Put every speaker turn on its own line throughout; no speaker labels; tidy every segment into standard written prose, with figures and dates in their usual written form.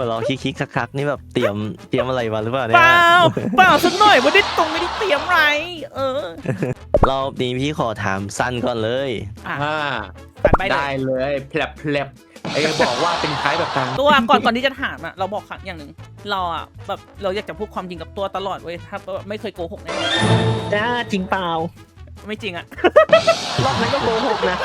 มือนเราคิกคักนี่แบบเตรียมอะไรมาหรือเปล่าเนี่
เป
ย
ล่าสักหน่อยไม่ได้เตรียมอะไร
รอบนี้พี่ขอถามสั้นก่อนเลย
อ่ะ
ผ่านไปได้เลยแผลบไอ้บอกว่าเป็นคล้ายแบบต่าง
ตัวก่อนที่จะถามอ่ะเราบอกครั้งอย่างหนึ่งเราอ่ะแบบเราอยากจะพูดความจริงกับตัวตลอดเว้ยถ้าไม่เคยโกหกแน่
จริงเปล่า
ไม่จริงอ่ะ
รอบนั้นก็โกหกนะ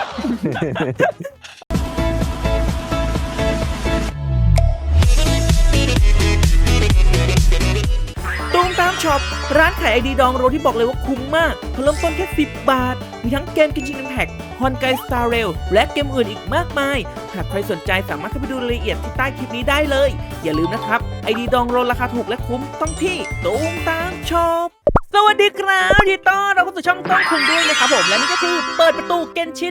ตูมตามช็อปร้านขายไอดีดองโรที่บอกเลยว่าคุ้มมากเริ่มต้นแค่10 บาทมีทั้งเกมกินชิงแพ็กฮอนไกสตาร์เรลและเกมอื่นอีกมากมายหากใครสนใจสามารถเข้าไปดูรายละเอียดที่ใต้คลิปนี้ได้เลยอย่าลืมนะครับไอดีดองโรราคาถูกและคุ้มต้องที่ตูมตามช็อปสวัสดีครับยินดีต้อนรับเข้าสู่ช่องต้องคุงด้วยนะครับผมและนี่ก็คือเปิดประตูเกนชิน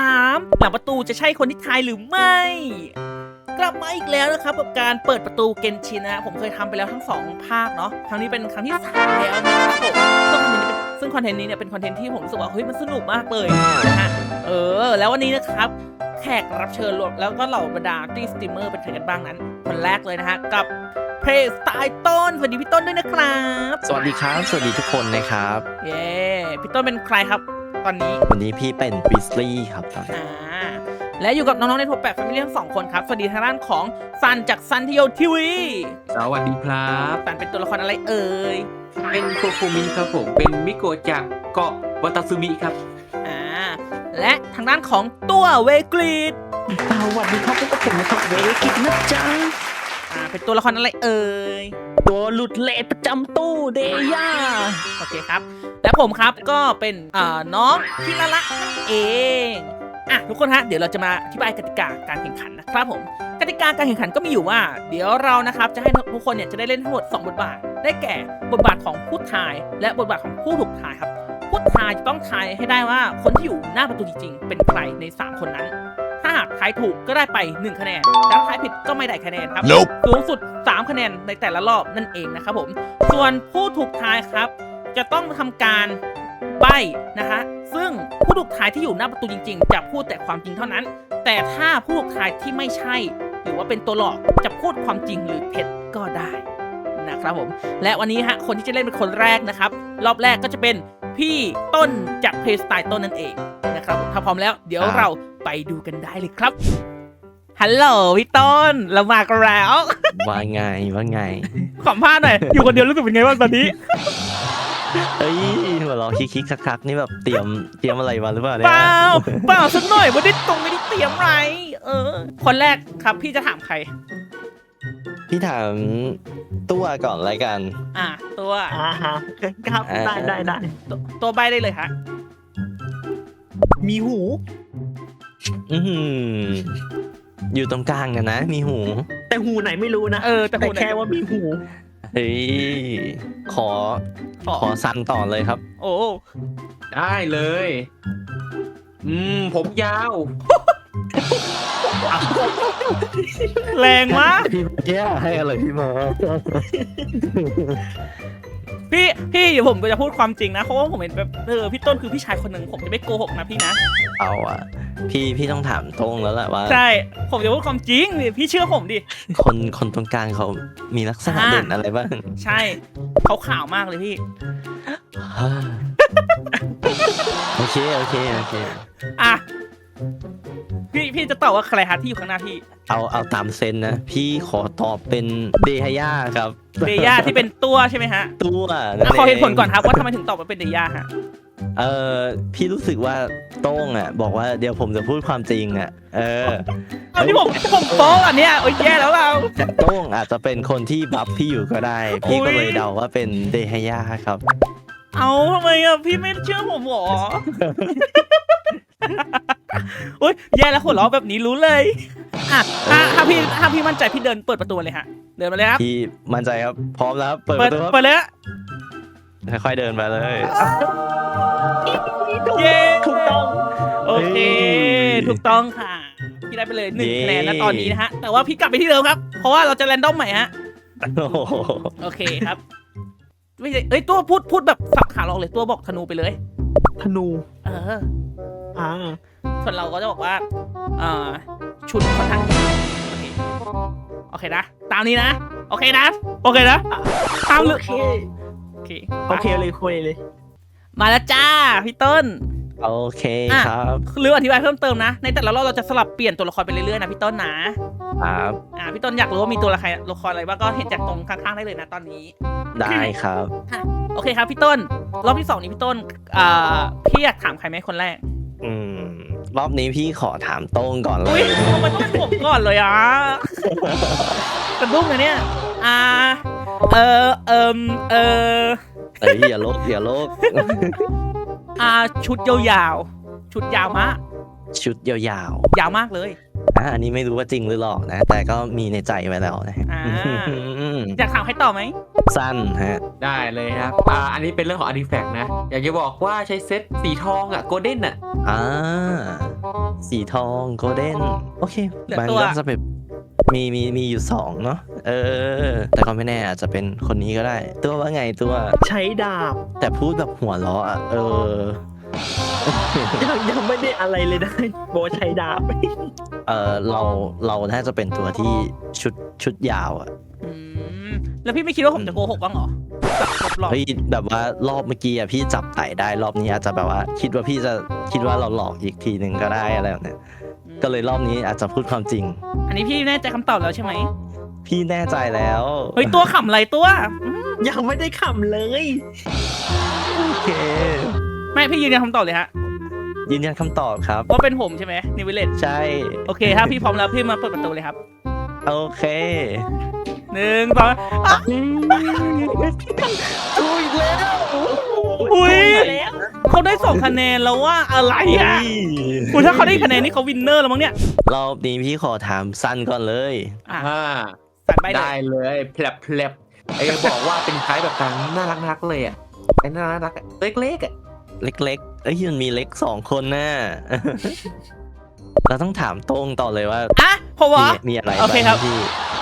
3หลังประตูจะใช่คนที่ทายหรือไม่กลับมาอีกแล้วนะครับกับการเปิดประตูเกนชินนะผมเคยทำไปแล้วทั้ง2ภาคเนาะครั้งนี้เป็นครั้งที่3แล้วนะครับผมซึ่งคอนเทนต์นี้เนี่ยเป็นคอนเทนต์ที่ผมรู้สึกว่าเฮ้ยมันสนุกมากเลยนะฮะแล้ววันนี้นะครับแขกรับเชิญรวมแล้วก็เหล่าบรรดาตี้สตรีมเมอร์เป็นใครกันบ้างนั้นคนแรกเลยนะฮะกับเพลย์สไตล์ต้นสวัสดีพี่ต้นด้วยนะครับ
สวัสดีครับสวัสดีทุกคนนะครับ
เย้พี่ต้นเป็นใครครับตอนนี้
วันนี้พี่เป็นบิสลี่ครับ
และอยู่กับน้องๆในทัวร์แปดแฟมิลี่ทั้ง2 คนครับสวัสดีทางด้านของซันจากซันทิโยทีวี
สวัสดีครับ
ซันเป็นตัวละครอะไรเอ่ย
เป็นโคโคมิครับผมเป็นมิโกะจากเกาะวัตาซึมิครับ
และทางด้านของตัวเวกรีด
สวัสดีครับพวกผมนะครับเวกรีดนะจ๊ะ
เป็นตัวละครอะไรเอ่ย
ตัวหลุดเลทประจำตู้เดย่า
โอเคครับและผมครับก็เป็นน้องคิระละนั่นเองทุกคนฮะเดี๋ยวเราจะมาอธิบายกติกาการแข่งขันนะครับผมกติกาการแข่งขันก็มีอยู่ว่าเดี๋ยวเรานะครับจะให้ทุกคนเนี่ยจะได้เล่นทั้งหมด2 บทบาทได้แก่บทบาทของผู้ทายและบทบาทของผู้ถูกทายครับผู้ทายจะต้องทายให้ได้ว่าคนที่อยู่หน้าประตูจริงๆเป็นใครใน3 คนนั้นถ้าหากทายถูกก็ได้ไป1 คะแนนแต่ถ้าทายผิดก็ไม่ได้คะแนนครับสูงสุด3 คะแนนในแต่ละรอบนั่นเองนะครับผมส่วนผู้ถูกทายครับจะต้องทำการใบ้นะฮะซึ่งผู้ถูกทายที่อยู่หน้าประตูจริงๆจะพูดแต่ความจริงเท่านั้นแต่ถ้าผู้ถูกทายที่ไม่ใช่หรือว่าเป็นตัวหลอกจะพูดความจริงหรือเท็จก็ได้นะครับผมและวันนี้ฮะคนที่จะเล่นเป็นคนแรกนะครับรอบแรกก็จะเป็นพี่ต้นจากเพลย์สไตล์ต้นนั่นเองนะครับถ้าพร้อมแล้วเดี๋ยวเราไปดูกันได้เลยครับฮัลโหลพี่ต้นเรามากันแล้ว
ว่าไง
สัมภาษณ์หน่อยอยู่คนเดียวรู้สึกเป็นไงบ้างตอนนี้
เฮ้ยเหมือนเราคิกคักนี่แบบเตรียมอะไรมาหรือเปล่าเนี่ย
เปล่าสักหน่อยไม่ได้เตรียมอะไรคนแรกครับพี่จะถามใคร
พี่ถามตัวก่อนรายการ
ตัว
ฮะครับได้
ตัวใบได้เลยฮะ
มีหู
อยู่ตรงกลางกันนะมีหู
แต่หูไหนไม่รู้นะแต่แค่ว่ามีหู
เฮ้ยขอสั้นต่อเลยครับ
โอ้
ได้เลยผมยาว
แรงมาก
พี่แย่ให้อะไรพี่มา
พี่เดี๋ยวผมจะพูดความจริงนะเพราะว่าผมเห็นแบบพี่ต้นคือพี่ชายคนหนึ่งผมจะไม่โกหกนะพี่นะ
เอาพี่ต้องถามตรงแล้วแหละว่า
ใช่ผมจะพูดความจริงพี่เชื่อผมดิ
คนตรงกลางเขามีลักษณะเด่นอะไรบ้าง
ใช่เขาขาวมากเลยพี่
โอเค
พี่จะตอบว่าใครฮะที่อยู่ข้างหน้าพี่
เอาตามเซนนะพี่ขอตอบเป็นเดฮย่าครับ
เดย่าที่เป็นตัวใช่ไหมฮะ
ตัว
ขอเหตุผลก่อนครับว่าทำไมถึงตอบว่าเป็นเดย่าฮะ
พี่รู้สึกว่าโต้งบอกว่าเดี๋ยวผมจะพูดความจริง
อันนี้ผมโป๊ะอันเนี้ยโอ้ยแย่แล้วเรา
แต่โต้งอาจจะเป็นคนที่บัฟพี่อยู่ก็ได้พี่ก็เลยเดาว่าเป็นเดฮย่าครับ
เอาทำไมพี่ไม่เชื่อผมหรอโอ้ยแย่แล้วหัวเราะแบบนี้รู้เลยถ้าพี่มั่นใจพี่เดินเปิดประตูเลยฮะเดินมาเลยครับ
พี่มั่นใจครับพร้อมแล้วเปิดประตู
เปิดเลย
ค่อยๆเดินไปเลย
เย้ถูกต้องโอเคถูกต้องค่ะพี่ได้ไปเลย1 คะแนนนะตอนนี้นะฮะแต่ว่าพี่กลับไปที่เดิมครับเพราะว่าเราจะแรนดอมใหม่ฮะโอเคครับไม่ใช่ตัวพูดแบบสับขาหลอกเลยตัวบอกธนูไปเลย
ธนู
ส่วนเราก็จะบอกว่าชุดค่อนข้างโอเคโอเคนะตามนี้นะโอเคนะโอเคนะตามเลย
โอเค
โอเค
โอเคเลยคุยเลย
มาแล้วจ้าพี่ต้น
โอเคครับ
หรืออธิบายเพิ่มเติมนะในแต่ละรอบเราจะสลับเปลี่ยนตัวละครไปเรื่อยๆนะพี่ต้นนะครับ พี่ต้นอยากรู้ว่ามีตัวละครอะไรบ้างก็เห็นจากตรงข้างๆได้เลยนะตอนนี้
ได้ครับ
โอเคครับพี่ต้นรอบที่2นี้พี่ต้นพี่อยากถามใครไหมคนแรก
รอบนี้พี่ขอถามโต้งก่อนเล
อุ้ย
ย
ทำไมต้องเป็นผมก่อนเลยอ่ะกระดุ้งนะเนี่ย
อย่าโลก
ชุดยาวๆชุดยาวมาก
ชุดยาว
ยาวมากเลย
ๆอันนี้ไม่รู้ว่าจริงหรือหลอกนะ แต่ก็มีในใจไว้แล้วนะ
อยากถามใครต่อไหม
สั้นฮะ
ได้เลยครับอันนี้เป็นเรื่องของอาร์ติแฟกต์นะอยากจะบอกว่าใช้เซตสีทองโกลเด้น
สีทองโกลเด้นโอเค
เหลือ
มัน
ตัว
ก็จะแบบมีอยู่2เนาะแต่ก็ไม่แน่อาจจะเป็นคนนี้ก็ได้ ตัวว่าไงตัว
ใช้ดาบ
แต่พูดแบบหัวเราะ
ยังไม่ได้อะไรเลยนะโบใช้ดาบ
เราน่าจะเป็นตัวที่ชุดยาวอ่ะ
แล้วพี่ไม่คิดว่าผมจะโกหกบ้างเหรอหลอก
เฮ้ยแบบว่ารอบเมื่อกี้พี่จับไต่ได้รอบนี้อาจจะแบบว่าคิดว่าเราหลอกอีกทีหนึ่งก็ได้อะไรแบบเนี้ยก็เลยรอบนี้อาจจะพูดความจริง
อันนี้พี่แน่ใจคำตอบแล้วใช่ไหม
พี่แน่ใจแล้ว
เฮ้ยตัวขำอะไรตัว
ยังไม่ได้ขำเลย
โอเค
ไม่พี่ยืนยันคำตอบเลยฮะ
ยืนยันคำตอบครับ
ว่าเป็นผมใช่ไหมนิววิลเลต
ใช่
โอเคถ้าพี่พร้อมแล้วพี่มาเปิดประตูเลยครับ
โอเค
1 2
ถูกอีกแล้ว
อุ้ยเขาได้2คะแนนแล้วว่าอะไรอ่ะคุณถ้าเขาได้คะแนนนี่เขาวินเนอร์แล้วมั้งเนี่ย
รอบนี้พี่ขอถามสั้นก่อนเลย
สั่นไป
ได้เลยแผลบบอกว่าเป็นคล้ายแบบกลางน่ารักเลยน่ารักเล็กๆ
เล็กๆมันมีเล็ก2คนน่ะ เราต้องถามโต้งต่อเลยว่า
ผมว่า
มีอะไร
โอเคครับ
างพี่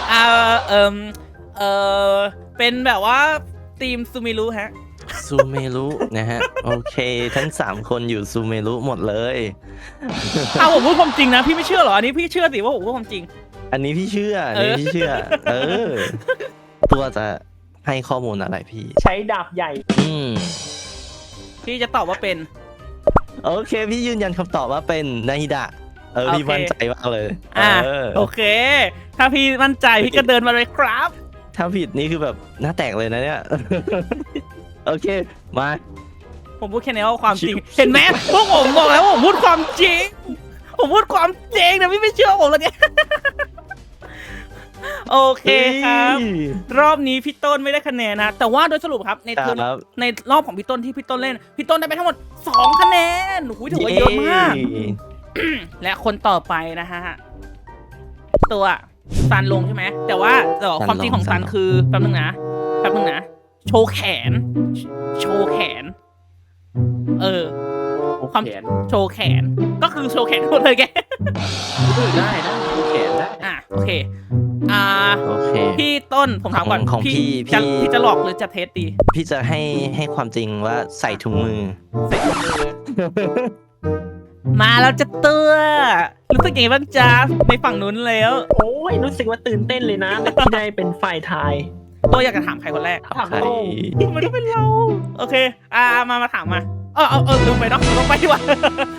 เป็นแบบว่าทีมซูมิรุฮะ
ซูเมรุนะฮะ โอเค ทั้ง3คนอยู่ซูเมรุหมดเลย
ผมพูดความจริงนะพี่ไม่เชื่อเหรออันนี้พี่เชื่อสิว่าผมพูดความจริง
อันนี้พี่เชื่อตัวจะให้ข้อมูลอะไรพี่
ใช้ดาบใหญ่
พี่จะตอบว่าเป็น
โอเค พี่ยืนยันคำตอบว่าเป็นนาฮิดะพี่มั่นใจมากเลย
โอเค ถ้าพี่มั่นใจพี่ก็เดินมาเลยครับ
ถ้าผิดนี่คือแบบหน้าแตกเลยนะเนี่ย โอเคมา
ผมพูดแค่นี้ว่าความจริง เห็นไหมพวกผมบอกแล้วว่าผมพูดความจริง ผมพูดความจริงนะพี่ไม่เชื่อผมเลยเนี่ย โอเคครับ รอบนี้พี่ต้นไม่ได้คะแนนนะแต่ว่าโดยสรุปครับในรอบของพี่ต้นที่พี่ต้นเล่นพี่ต้นได้ไปทั้งหมด2 คะแนนถือว่าเยอะมาก และคนต่อไปนะฮะตัวซันลงใช่ไหมแต่ว่าความจริงของซันคือแป๊บนึงนะโชว์แขนความโชว์แขนก็คือโชว์แขนหมดเลยแก
ได้แขนได้
โอเคพี่ต้นผมถามก่อน
ของ
พี่จะหลอกหรือจะเทสดี
พี่จะให้ความจริงว่าใส่ถุงมือ
มาแล้วจะเตื้อรู้สึกยังไงบ้างจ๊ะในฝั่งนู้นแล้ว
โอ้ยรู้สึกว่าตื่นเต้นเลยนะที่ได้เป็นฝ่ายทาย
ตัวอยากจะถามใครคนแรก
ถามโต้ง
มันต้องเป็นเราโอเคมาถามมาลืมไปเนาะลงไปดีกว่า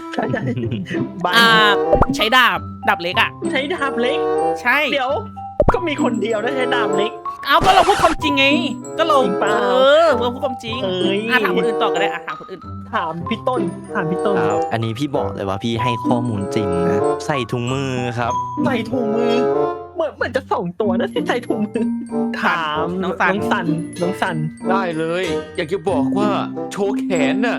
ใช้ดาบเล็กอ่ะ
ใช้ดาบเล็ก
ใช่
เดี๋ยวก็มีคนเดียวนะใช้ดาบเล็ก
ก็เราพูดความจริงไงก็เรา
จริงเปล่า
เราพูดความจริง
ถา
ถามคนอื่นต่อก็ได้ถามคนอื่น
ถามพี่ต้น
อันนี้พี่บอกเลยว่าพี่ให้ข้อมูลจริงนะใส่ถุงมือครับ
ใส่ถุงมือเหมือนจะ2 ตัวนะที่ใส่ถุงมือถามน้องสัน
ได้เลยอยากจะบอกว่าโชว์แขนน่ะ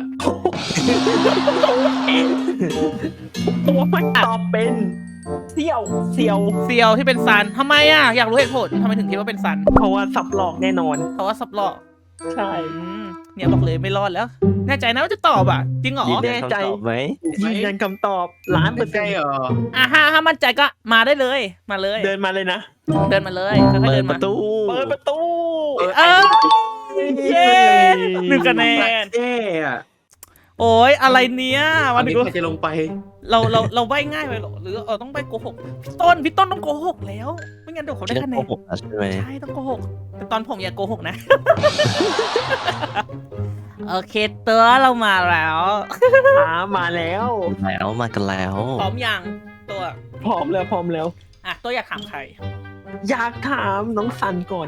ตัวไม่ตอบเป็นเซียว
ที่เป็นซันทำไมอยากรู้เหตุผลทำไมถึงคิดว่าเป็นซัน
เพราะว่าสับหลอกแน่นอน
เพราะว่าซับหลอก
ใช่
เนี่ยบอกเลยไม่รอดแล้วแน่ใจนะว่าจะตอบจริงเหรอ
ยืนยันคำตอบไหม
ยืนยันคำตอบ1,000,000%
เหรอ
ถ้ามั่นใจก็มาได้เลยมาเลย
เดินมาเลยนะ
เดินมาเลยค่อยๆ
เปิ
เดิ
ด
น
ป
มา
ระตู
เปิดประตู
เย้1 คะแนน
เอ๊ะ
โอ้ยอะไรเนี้ย
วั
วัน น
นี้
นี้
ใครจะลงไป
เราใบง่ายไปหรอหรือต้องใบโกหกพี่ต้นต้องโกหกแล้วไม่งั้นเดี๋ยวเขาได้
พี่ต้
คะ
อง
แน
โก
น
หกนะใช่ไหม
ใช่ต้องโกหกแต่ตอนผมอย่าโกหกนะ โอเคตัวเรามาแล้ว
มาแล้ว
แล้วมากันแล้ว
พร้อมยังตัว
พร้อมแล้ว
อ่ะตัวอยากถามใคร
อยากถามน้องซันก่อน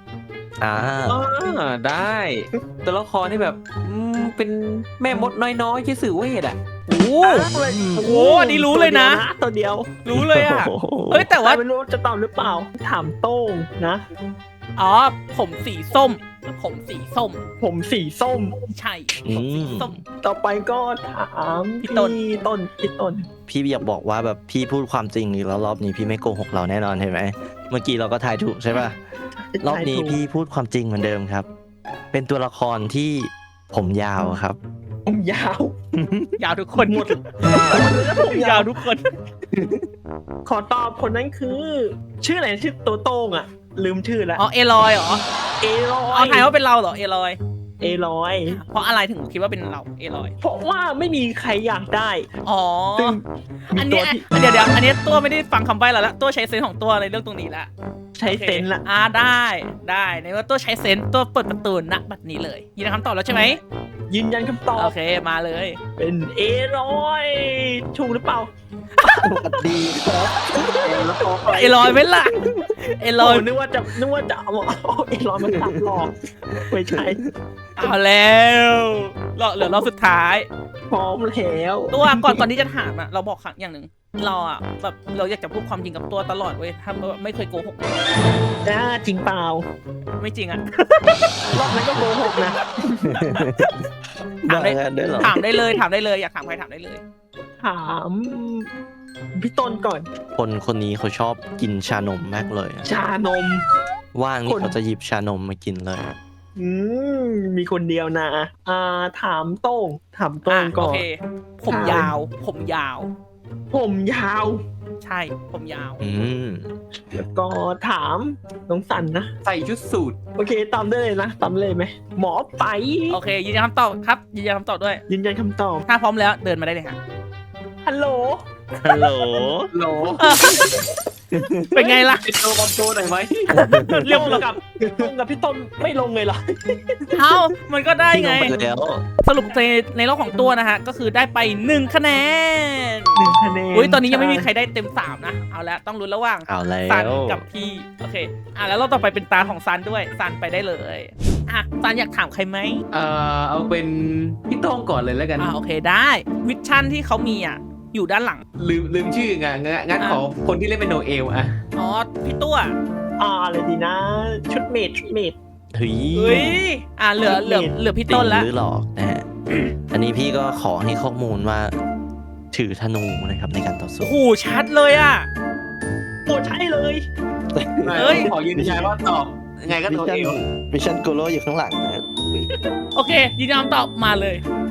ได้ตัวละครที่แบบเป็นแม่มดน้อยๆชื่อสื่อเวทอ่ะ
โอ้โหอันนี้รู้เลยนะ
ตัวเดียว
รู้เลยอ่ะ
โอ้โห
เฮ้ยแต่ว่า
ไม่รู้จะตอบหรือเปล่า ถามโต้งนะ
อ๋อผมสีส้ม ผมสีส้ม
ผมสีส้ม
ใช่ผมสีส้ม
ต่อไปก็ถาม
พี่ต้น
พี่ต้น
พี่อยากบอกว่าแบบพี่พูดความจริงอีกแล้วรอบนี้พี่ไม่โกหกเราแน่นอนเห็นไหมเมื่อกี้เราก็ทายถูกใช่ป่ะรอบนี้พี่พูดความจริงเหมือนเดิมครับ เป็นตัวละครที่ผมยาวครับ
ผมยาว
ยาวทุกคน
หมด
ยาวทุกคน
ขอตอบคนนั้นคือ ชื่ออะไรชื่อตัวโต้งอะลืมชื่อแล้ว
อ๋อเอลอยเหรอ
เอลอย
เอาถ่ายว่าเป็นเราเหรอเอลอย
เอลอย
เพราะอะไรถึงคิดว่าเป็นเราเอลอย
เพราะว่าไม่มีใครอยากได้
อ๋อ
ซึ่งมี
อัน
ตั
นี้
วที่
เดี๋ยวอันนี้ตัวไม่ได้ฟังคำใบ้แล้วละตัวใช้เซนส์ของตัวในเรื่องตรงนี้ละ
ใช้เซนส์ละ
ได้ในว่าตัวใช้เซนส์ตัวเปิดประตูณบัดนี้เลยยินดีคำตอบแล้วใช่ไหม
ยืนยันคำตอบ
โอเคมาเลย
เป็นเอลอยถูกหรือเปล่า
ดีครับ
เอลอยไหมล่ะเอลอย
นึกว่าจะเอาเอลอยมาตัดหลอกไม่ใช่
เอาแล้วเหลือรอบสุดท้าย
พร้อมแล้ว
ตัวก่อนที่จะถามอะเราบอกครั้งอย่างหนึ่งเราอะแบบเราอยากจะพูดความจริงกับตัวตลอดเว้ยถ้าไม่เคยโกหก
จริงเปล่า
ไม่จริงอะ
รอบนั้นก็โกหกนะ
ถามได้
ได้เหรอ
ถามได้เลยอยากถามใครถามได้เลย
ถามพี่ต้นก่อน
คนนี้เขาชอบกินชานมมากเลยอะ
ชานม
ว่างนี่เขาจะหยิบชานมมากินเลย
มีคนเดียวนะถามโต้งก่
โอ
อน
เค ผมยาว
ผมยาว
ใช่ผมยาว
แล้วก็ถามน้องสันนะ
ใส่ชุดสูท
โอเคตามได้เลยนะตามเลยไหมหมอไป
โอเคยืนยันคำตอบครับยืนยันคำตอบด้วย
ยืนยันคำตอบ
ถ้าพร้อมแล้วเดินมาได้เลยฮะ
ฮัลโหล
ฮัลโหล
โหล
เป็นไงล่ะ
เป็นตัวคอมโบหน่อยไหม
เรียบร้อย
กับพี่ต้นไม่ลงเลยเหรอ
เอ้ามันก็ได้
พี่ล
ไง
งไปแล้ว
สรุปในรอบของตัวนะฮะ ก็คือได้ไป1 คะแนน
1 คะแนน
อุ้ยตอนนี้ยังไม่มีใครได้เต็ม3นะเอาละต้องลุ้นระหว่าง
เอาแล้ว
ซันกับพี่โอเคแล้วรอบต่อไปเป็นตาของซันด้วยซันไปได้เลยซันอยากถามใครไหม
เอาเป็นพี่โต้งก่อนเลยแล้วกัน
โอเคได้วิชั่นที่เขามีอยู่ด้านหลัง
ลืมชื่อไงงั้นขอคนที่เล่นเป็นโนเอลอะ
อ๋อพี่ตัว
อะไรดีนะ ชุดเมด
เฮ้ย
เฮ้ยเหลือพี่ต้นแล้ว
จริงหรือหลอกนะฮะ อันนี้พี่ก็ขอให้ข้อมูลว่า ถือธนูนะครับในการต่อสู้
โอ้โหชัดเลย
โอ้ใช่เลย
เฮ้ย
ขอยืนยันว่าตอบยังไงก็
วิ
โน
ชั่น
เอล
วิชั่นโกโลอยู่ข้างหลังนะ
โอเคยืนยันคำตอบมาเลย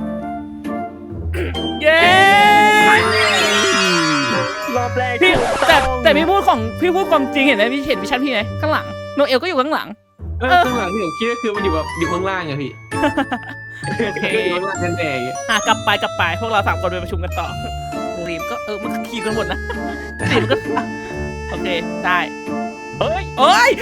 เย้
รอบแรก
พี่
ถูก
แต่
อง
แต่พี่พูดความจริงเห็นไหมพี่เห็นวิชั่นพี่ไหมข้างหลังโนเอลก็อยู่ข้างหลัง
ข้างหลังที่ผมคิดก็คือมันอยู่แบบอยู่ข้างล่างไงพี่
โอเค
อยู่ข้างล่างกันแดง
กลับไปพวกเรา3 คนไปประชุมกันต่อรีมก็มันก็ขี่กันหมดนะรีมก็โอเคได้
เฮ้ย
เอ้ย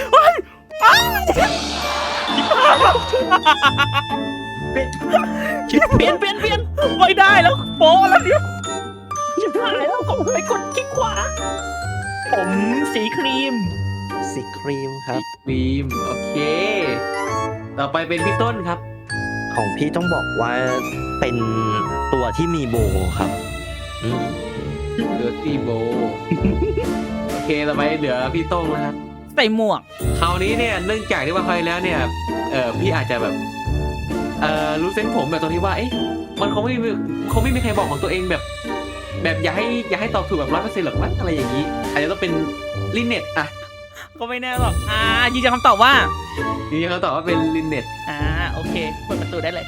เปลี่ยน
ไม่ได้แล้วโป๊ะแล้วเนี่ย
ชิบหายแล้วก็ไปกดคลิกขวา ผมสีครีม
สีครีมครับ
บีมโอเค ต่อไปเป็นพี่ต้นครับ
ของพี่ต้องบอกว่าเป็นตัวที่มีโบครับอืม
เหลือตีโบ โอเคต่อไปเหลือพี่โต้งนะครับ
ใส่หมวก
คราวนี้เนี่ยเนื่องจากที่ว่าคราวที่แล้วเนี่ยพี่อาจจะแบบรู้เส้นผมแบบตรงที่ว่าเอ๊ะมันคงไม่มีใครบอกของตัวเองแบบอย่าให้ตอบถูกแบบ100%หรอกมั้งอะไรอย่างนี้อาจจะต้องเป็นลินเน็ตอ่ะ
ก็ไม่แน่หรอกยืนยันคำตอบว่า
นี่เขาตอบว่าเป็นลินเน็ต
โอเคเปิดประตูได้เลย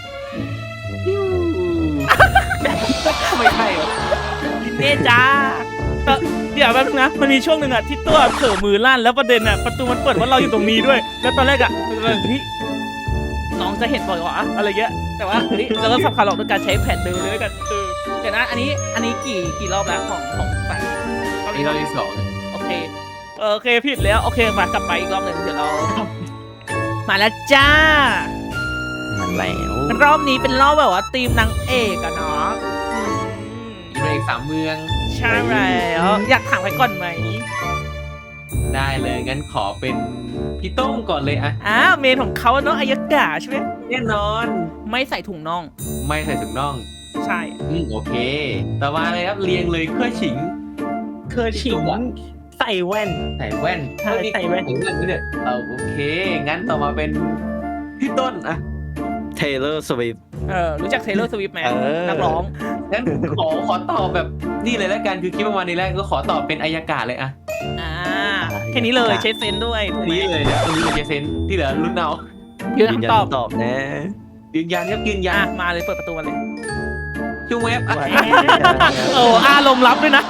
ไม่ใช่หรอ
ลินเน่จ้าเดี๋ยวแป๊บนึงนะมันมีช่วงหนึ่งที่ตัวเผลอมือลั่นแล้วประเด็นประตูมันเปิดว่าเราอยู่ตรงนี้ด้วย แล้วตอนแรกพี่น้องจะเห็นบ่อยวะอะไรเงี้ยแต่แต่ว่าเฮ้ยเราต้องสับขาหลอกด้วยการใช้แผ่นเดิมเลยด้วยกันเดี๋ยวนะอันนี้กี่รอบแล้วของสัน
อันนี้เราที่สอง
โอเคผิดแล้วโอเคมากลับไปอีกรอบหนึ่งเดี๋ยวเรามาแล้วจ้า
มันแล้ว
รอบนี้เป็นรอบแบบว่าทีมนางเอกอะเนาะ
อีกเอกสามเมือง
ใช่แล้วอยากถามใครก่อนไหม
ได้เลยงั้นขอเป็นพี่โต้งก่อนเลยอะ
เมนของเขาเนาะอายกาใช่ไหม
แน่นอน
ไม่ใส่ถุงน่อง
ไม่ใส่ถุงน่อง
ใช่
โอเค ต่อมาเลยครับเรียงเลยเครื่อฉิง
เคยชิงใส่แว่น
ใส่แว่น
ใช่ใส่แว่น
ใส่แว่นด้วยเนี่ยโอเค งั้นต่อมาเป็นพี่ต้นอะ
Taylor Swift
รู้จัก Taylor Swift ไหม
เออ
นักร้อง
งั้นขอตอบแบบนี่เลยแล้วกันคือคิดประมาณนี้แล้วก็ขอตอบเป็นอายกาศเลยอะ
แค่นี้เลยใช้เซนส์ด้วยถูกไหม
นี่เลยเนี่ยอันนี้เป็นเจเซนที่เหลือรุ่นเอา
ยืน
ยืนยัน
คำตอบ
ตอบนะ
ยืนยันครับยืนยัน
มาเลยเปิดประตูมาเลย
จุงเว็บอะ
อารมณ์รับด้วยนะ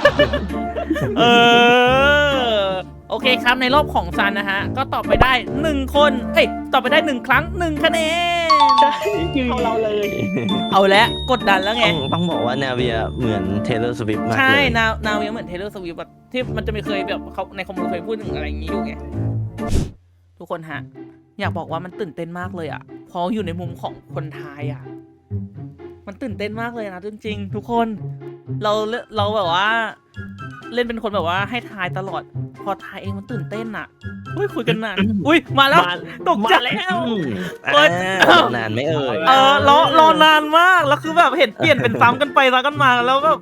โอเคครับในรอบของซันนะฮะก็ตอบไปได้1คนตอบไปได้1ครั้ง1คะแนน
ใช่ยืนเราเลย
เอาแล้วกดดันแล้วไง
ต้องบอกว่านาเวียเหมือน Taylor Swift มาก
ใช่
เลย
นาเวียเหมือน Taylor Swift แบบที่มันจะมีเคยแบบเขาในคอมมูนเคยพูดถึงอะไรอย่างนี้อยู่ไงทุกคนฮะอยากบอกว่ามันตื่นเต้นมากเลยอ่ะเพราะอยู่ในมุมของคนไทยอ่ะมันตื่นเต้นมากเลยนะจริงๆทุกคนเราแบบว่า เล่นเป็นคนแบบว่าให้ทายตลอดพอทายเองมันตื่นเต้นอ่ะคุยกันนานมาแล้วตกใจแล้ว เปิด
นานไม่เอ่ย
รอนานมากแล้วคือแบบเห็นเปลี่ยนเป็นซ้ำกันไปซ้ำกันมาแล้วแบบ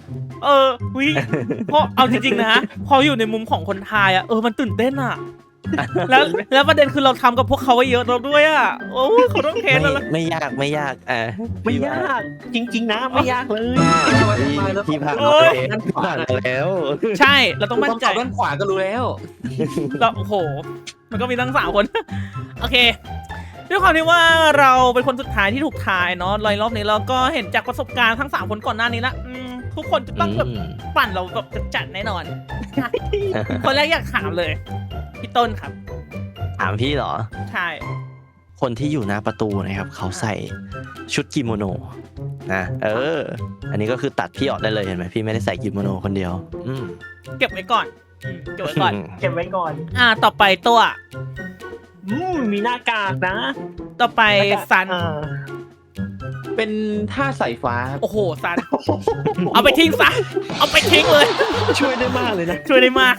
เพราะเอาจริงๆนะพออยู่ในมุมของคนไทยอ่ะมันตื่นเต้นอ่ะแล้วประเด็นคือเราทำกับพวกเขาไว้เยอะเราด้วยอ่ะโอ้ยเขาต้องเค้นแล้ว
ไม่ยากไม่ยาก
ไม่ยากจริงๆนะไม่ยากเลย
พี่ผ่าน
โอ้ย
ผ่านมาแล้ว
ใช่เราต้องมั่นใจ
ด้านขวาก็รู้แล้ว
เราโอ้โหมันก็มีตั้ง3 คน โอเคด้วยความที่ว่าเราเป็นคนสุดท้ายที่ถูกทายเนาะรอบนี้เราก็เห็นจากประสบการณ์ทั้ง3 คนก่อนหน้านี้ละทุกคนจะต้องแบบปั่นเราแบบจัดแน่นอน คนแรกอยากถามเลยพี่ต้นครับ
ถามพี่เหรอ
ใช่
คนที่อยู่หน้าประตูนะครับเขาใส่ชุดกิโมโนนะอันนี้ก็คือตัดพี่ออกได้เลยเห็นไหมพี่ไม่ได้ใส่กิโมโนคนเดียว
เก็บไว้ก่อนเก็บไว้ก่อน
เก็บไว้ก่อน
ต่อไปตัว
มีหน้ากากนะ
ต่อไปซัน
เป็นท่าสายฟ้า
โอ้โหซันเอาไปทิ้งซะเอาไปทิ้งเลย
ช่วยได้มากเลยนะ
ช่วยได้มาก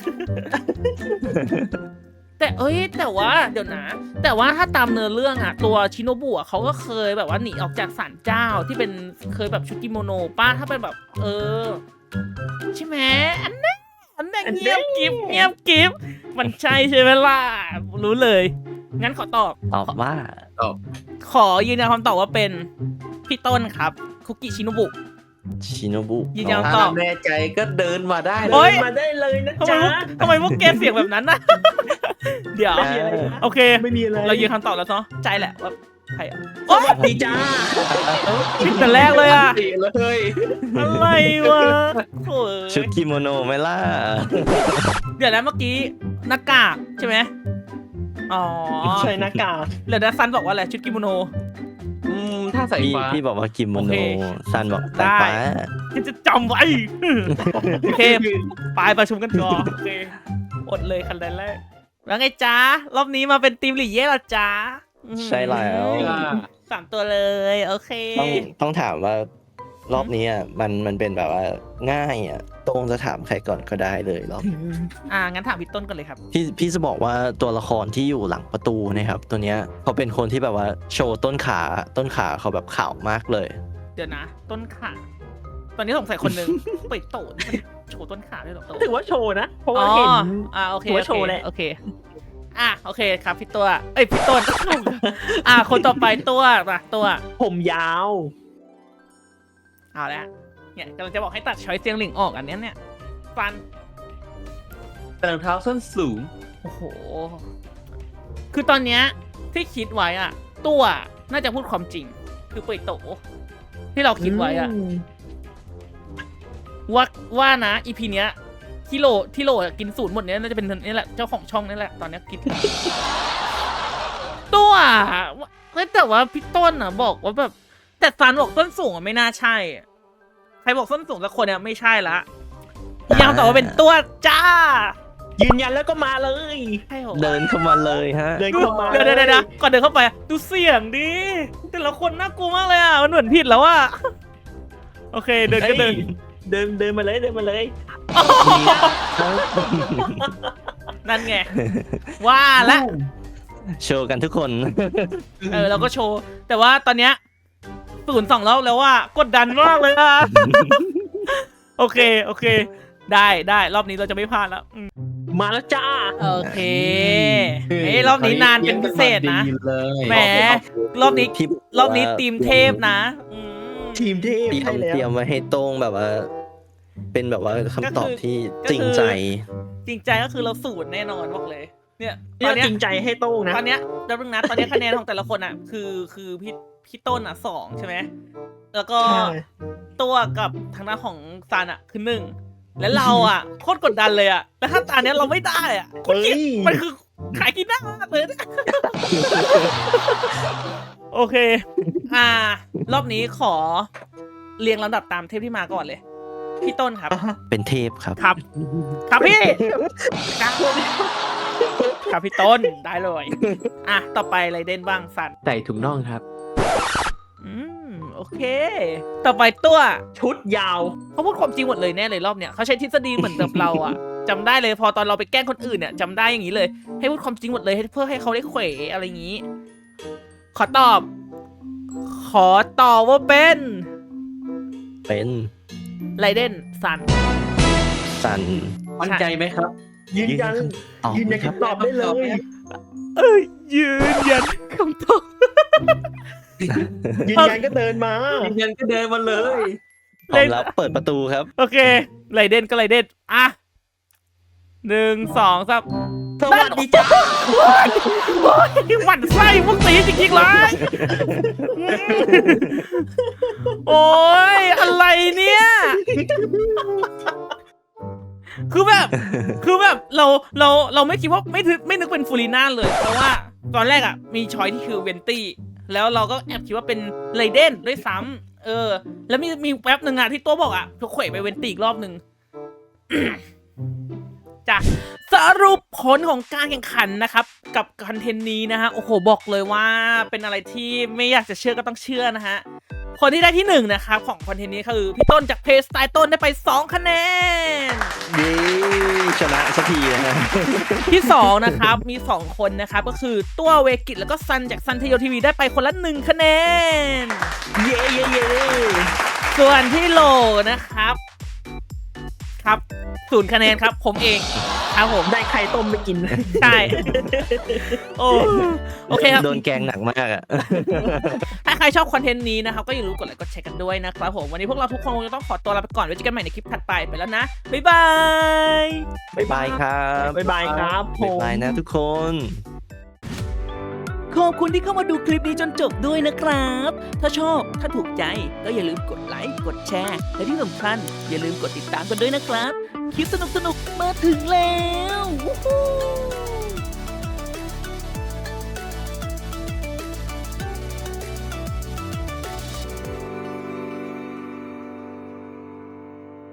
แต่แต่ว่าเดี๋ยวนะ แต่ว่าถ้าตามเนื้อเรื่องอะตัวชิโนบุอะเขาก็เคยแบบว่าหนีออกจากศาลเจ้าที่เป็นเคยแบบชุดกิโมโนป้าถ้าเป็นแบบใช่ไหมอันนั้นเงียบกิฟมันใช่ใช่ไหมล่ะรู้เลยงั้นขอตอบ
ตอบว่า
ขอยืนยันคำตอบว่าเป็นพี่ต้นครับคุกิชิโนบุ
ชิโนบุ
ยืนยัน
ถ้าแน่ใจก็เดินมาได้
โอ๊
เลย ย
มาได้เลยนะ
ทำไม
จ๊ะ
พวกแกเสียงแบบนั้นนะ เดี๋ยว โอเค
ไม่มีอะไร
เรายืนคำตอบแล้วเนาะใจแหละว่าใครอ่ะ
สวัสดีจ้า
ผิดแต่แรกเลยอ่ะ
ดีเลย
อะไรวะโถ่
ชุดกิโมโนไหมล่ะ
เดี๋ยวนะเมื่อกี้หน้ากากใช่ไหมอ๋อ
ใส่หน้ากาก
เดี๋ยวนะซันบอกว่าอะไรชุดกิโมโน
ท่าสายฟ้า
พี่บอกว่ากิโมโน
โอเค
ซันบอก
ได้
สายฟ้า
จะจำไว้ โอเคไปประชุมกันก่อนโอเคอดเลยคันแรกแล้วไงจ๊ะรอบนี้มาเป็นทีมหลี่เย่ละจ๊ะ
ใช่แล้ว
3 ตัวเลยโอเค
ต้องถามว่ารอบนี้มันเป็นแบบว่าง่ายตรงจะถามใครก่อนก็ได้เลยรอบ
งั้นถามพี่ต้นก่อนเลยครับ
พี่จะบอกว่าตัวละครที่อยู่หลังประตูนะครับตัวเนี้ยเขาเป็นคนที่แบบว่าโชว์ต้นขาเขาแบบขาวมากเลย
เดี๋ยวนะต้นขาตอนนี้สงสัยคนหนึ่ง ไปโตนมันโชว์ต้นขาด้วยเหรอ
ถือว่าโชว์นะ เพราะว่าเห็น
โอเค
ถือว่าโชว์แหละ
โอเคโอเคครับพี่ตัวพี่ต้น คนต่อไปตัวตัว
ผมยาว
เอาละเนี่ยกำลังจะบอกให้ตัดช้อยเสียงหลิงออกอันเนี้ยเนี่ยฟัน
แต่รองเท้าส้นสูง
โอ้โหคือตอนเนี้ยที่คิดไว้อะตัวน่าจะพูดความจริง คือเปิดโตที่เราคิดไว้อะว่านะอีพีเนี้ยที่โหลกินสูตรหมดเนี้ยน่าจะเป็นนี่แหละเจ้าของช่องนี่แหละตอนเนี้ยคิดตัวแต่ว่าพี่ต้นบอกว่าแบบแต่ซันบอกส้นสูงอะไม่น่าใช่อะใครบอกส้นสูงสักคนเนี่ยไม่ใช่ละยังตอบว่าเป็นตัวจ้า
ยืนยันแล้วก็มาเลย
ใช่เหรอ
เดินเข้ามาเลยฮะ
เดินเข้ามา
เดี๋ยวก่อนเดินเข้าไปอะดูเสียงดิแต่ละคนน่ากลัวมากเลยอ่ะมันเหมือนผิดแล้วอ่ะโอเคเดินก็เดิน
เดินมาเลยเดินมาเลย
นั่นไงว่าละ
โชว์กันทุกคน
เราก็โชว์ แต่ว่าตอนเนี้ย0-2รอบแล้วว่ากดดันมากเลยอ่ะ โอเค ได้รอบนี้เราจะไม่พลาดแล้ว
มาแล้วจ้า
โอเคเฮ้ยรอบนี้นานเป็นพิเศษนะ
ดีเลย
แหมรอบนี้
พี่
รอบนี้ทีมเทพนะม
ทีมเทพ
เตรีย
ใช่
ม
แล้ว
เตรียมไว้ให้ตรงแบบว่า เป็นแบบว่าคำตอบที่จริงใจ
จริงใจก็คือเราสูตรแน่นอนบอกเลย เนี่ยต
เนี่
อย นเนี้ย
จริงใจให้โต้งนะ
ตอนเนี้ยเดี๋ยวนึงนะตอนเนี้ยคะแนนของแต่ละคนอ่ะ คือพี่ต้นอ่ะ2ใช่ไหมแล้วก็
ใช่
ตัวกับทางด้านของซานอ่ะคือ1แล้วเราอ่ะโคตรกดดันเลยอ่ะแล้วถ้าตอนเนี้ยเราไม่ได้อ่ะโคตรเกลียดมันคือขายกินหน้าเลยนะ โอเค รอบนี้ขอเรียงลำดับตามเทปที่มาก่อนเลย พี่ต้นครับ
เป็นเทพครับ
ครับ ครับพี่ครับพี่ต้นได้เลยต่อไปไรเดนบ้างสัน
ใส่ถุงน่องครับ
โอเค ต่อไปตัว
ชุดยาว
เขาพูดความจริงหมดเลยแน่เลยรอบเนี้ยเขาใช้ทฤษฎีเหมือนกับเราอะจำได้เลยพอตอนเราไปแกล้งคนอื่นเนี่ยจำได้อย่างนี้เลย ให้พูดความจริงหมดเลยเพื่อให้เขาได้เขวอะไรอย่างนี้ ขอตอบว่าเป็น
เป็น
ไรเดนซัน
สัน
มั่นใจไหมครับ
ยืนยัน
ตอบ
ยืนยัน
ครับ
คำตอบได้เลย
ยืนยันคำตอบ
ยืนยันก็เดินมา
ยืนยันก็เดินมาเลย
พร้อมแล้วเปิดประตูครับ
โอเคไรเดนก็ไรเดน1 2 3
สวัสดีจ้า
หวั่นไส้พวกตีจริงๆเลยโอ้ยอะไรเนี่ยคือแบบเราไม่คิดว่าไม่นึกเป็นฟูลิน่าเลยเพราะว่าตอนแรกอ่ะมีช้อยที่คือเวนตี้แล้วเราก็แอบคิดว่าเป็นไรเดนด้วยซ้ำแล้วมีแป๊บหนึ่งอ่ะที่ตัวบอกอ่ะทุกเขวไปเวนตี้อีกรอบหนึ่ง จ้ะสรุปผลของการแข่งขันนะครับกับคอนเทนต์นี้นะฮะโอ้โหบอกเลยว่าเป็นอะไรที่ไม่อยากจะเชื่อก็ต้องเชื่อนะฮะคนที่ได้ที่1นะครับของคอนเทนต์นี้คือพี่ต้นจากเพจสไตล์ต้นได้ไป2คะแนน
เย้ชนะสักทีนะฮะ
ที่2นะครับมี2คนนะครับก็คือตัวเวกิตแล้วก็ซันจากซันเทโยทีวีได้ไปคนละ1คะแนน
เย่
ส่วนที่โหลนะครับครับ0คะแนนครับผมเองครับผม
ได้ไข่ต้มไปกิน
ใช่โอเคครับ
โดนแกงหนักมากอ่ะ
ถ้าใครชอบคอนเทนต์นี้นะครับก็อย่าลืมกดไลค์กดแชร์กันด้วยนะครับผมวันนี้พวกเราทุกคนคงจะต้องขอตัวลาไปก่อนไว้เจอกันใหม่ในคลิปถัดไปแล้วนะบ๊ายบาย
บ๊ายบายครับ
บ๊ายบายครับผ
บ๊าย
ม
บายนะทุกคน
ขอบคุณที่เข้ามาดูคลิปนี้จนจบด้วยนะครับ ถ้าชอบถ้าถูกใจก็อย่าลืมกดไลค์กดแชร์และที่สำคัญอย่าลืมกดติดตามกันด้วยนะครับคลิปสนุกๆมาถึงแล้ววู้ฮู้